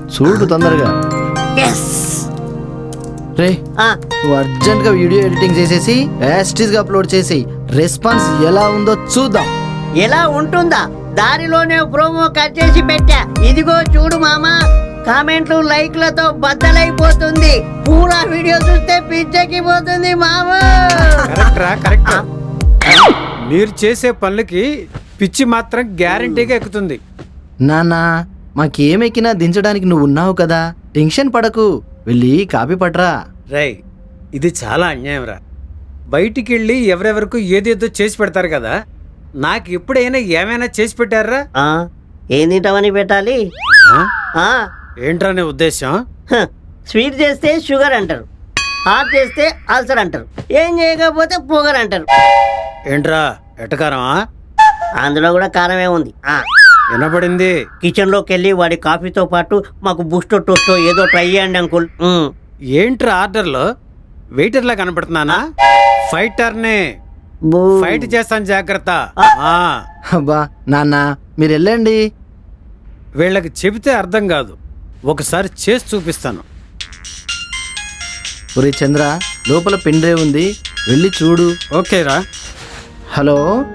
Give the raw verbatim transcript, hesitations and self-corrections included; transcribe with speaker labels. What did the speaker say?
Speaker 1: చూడు తొందరగా. రే
Speaker 2: ఆ,
Speaker 1: నువ్వు అర్జెంట్ గా వీడియో ఎడిటింగ్ చేసేసి యాస్టీస్ గా అప్లోడ్ చేసి రెస్పాన్స్ ఎలా ఉందో చూద్దాం.
Speaker 2: ఎలా ఉంటుందా? దారిలోనే ప్రోమో కట్ చేసి పెట్టా. ఇదిగో చూడు మామా, కామెంట్లు లైక్లతో బద్దలైపోతుంది. పూరా వీడియో చూస్తే పిచ్చెక్కి పోతుంది మామా.
Speaker 3: కరెక్ట్ రా, కరెక్ట్. మీరు చేసే పనులకి పిచ్చి మాత్రం గ్యారంటీగా ఎక్కుతుంది.
Speaker 1: నాన్నా మాకేమెక్కినా దించడానికి నువ్వు ఉన్నావు కదా, టెన్షన్ పడకు. వెళ్ళి కాపీ పట్రా.
Speaker 3: రై, ఇది చాలా అన్యాయం రా. బయటికి వెళ్ళి ఎవరెవరికి ఏదేదో చేసి పెడతారు కదా, నాకు ఎప్పుడైనా ఏమైనా చేసి పెట్టారా?
Speaker 2: ఆ, ఏం తింటామని పెట్టాలి?
Speaker 3: ఆ?
Speaker 2: ఆ,
Speaker 3: ఏంట్రా నీ ఉద్దేశం?
Speaker 2: హ, స్వీట్ చేస్తే షుగర్ అంటారు, హాట్ చేస్తే అల్సర్ అంటారు, ఏం చేయకపోతే పొగర్ అంటారు.
Speaker 3: ఏంట్రా ఎటకారమా?
Speaker 2: అందులో కూడా కారమే ఉంది. ఆ,
Speaker 3: వినపడింది.
Speaker 2: కిచెన్ లోకి వెళ్ళి వాడి కాఫీతో పాటు మాకు బూస్టో టోస్టో ఏదో ట్రై చేయండి అంకుల్. ఉమ్.
Speaker 3: ఏంట్రా ఆర్డర్లో వెయిటర్లా కనపడుతున్నానా? ఫైటర్నే,
Speaker 2: బూ.
Speaker 3: ఫైట్ చేస్తాను, జాగ్రత్త. ఆ,
Speaker 1: అబ్బా నాన్న మీరు వెళ్ళండి.
Speaker 3: వీళ్ళకి చెబితే అర్థం కాదు, ఒకసారి చేసి చూపిస్తాను.
Speaker 1: ఒరే చంద్ర, లోపల పెన్ డ్రైవ్ ఉంది, వెళ్ళి చూడు.
Speaker 3: ఓకేరా.
Speaker 1: హలో